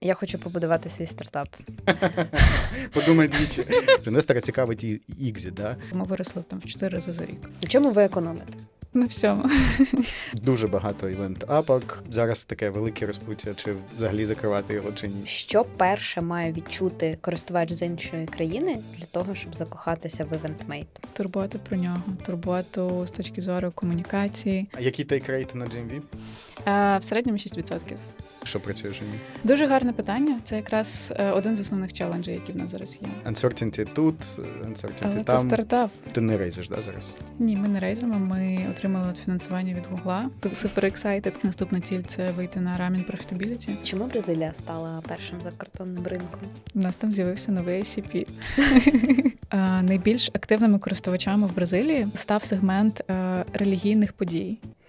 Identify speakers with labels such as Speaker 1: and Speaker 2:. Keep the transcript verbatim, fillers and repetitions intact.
Speaker 1: Я хочу побудувати свій стартап.
Speaker 2: Подумай двічі. Інвестора цікавить і ікзіт, да?
Speaker 3: Ми виросли там в чотири рази за рік.
Speaker 1: На чому ви економите?
Speaker 3: На всьому.
Speaker 2: Дуже багато івент-апок. Зараз таке велике розпуття, чи взагалі закривати його, чи ні.
Speaker 1: Що перше має відчути користувач з іншої країни для того, щоб закохатися в івентмейт?
Speaker 3: Турботу про нього, турботу з точки зору комунікації.
Speaker 2: А які тейк-рейти на джі ем ві?
Speaker 3: Е, в середньому шість відсотків.
Speaker 2: Що працює в Жені?
Speaker 3: Дуже гарне питання. Це якраз е, один з основних челенджів, які в нас зараз є.
Speaker 2: Uncertainty тут, uncertainty
Speaker 3: Але це
Speaker 2: там.
Speaker 3: стартап.
Speaker 2: Ти не рейзиш, да, зараз?
Speaker 3: Ні, ми не рейзимо, ми отримали фінансування від Гугла. Супер ексайтед. Наступна ціль – це вийти на рамін профітабіліті.
Speaker 1: Чому Бразилія стала першим закордонним ринком?
Speaker 3: У нас там з'явився новий ай сі пі. Найбільш активними користувачами в Бразилії став сегмент релігійних подій.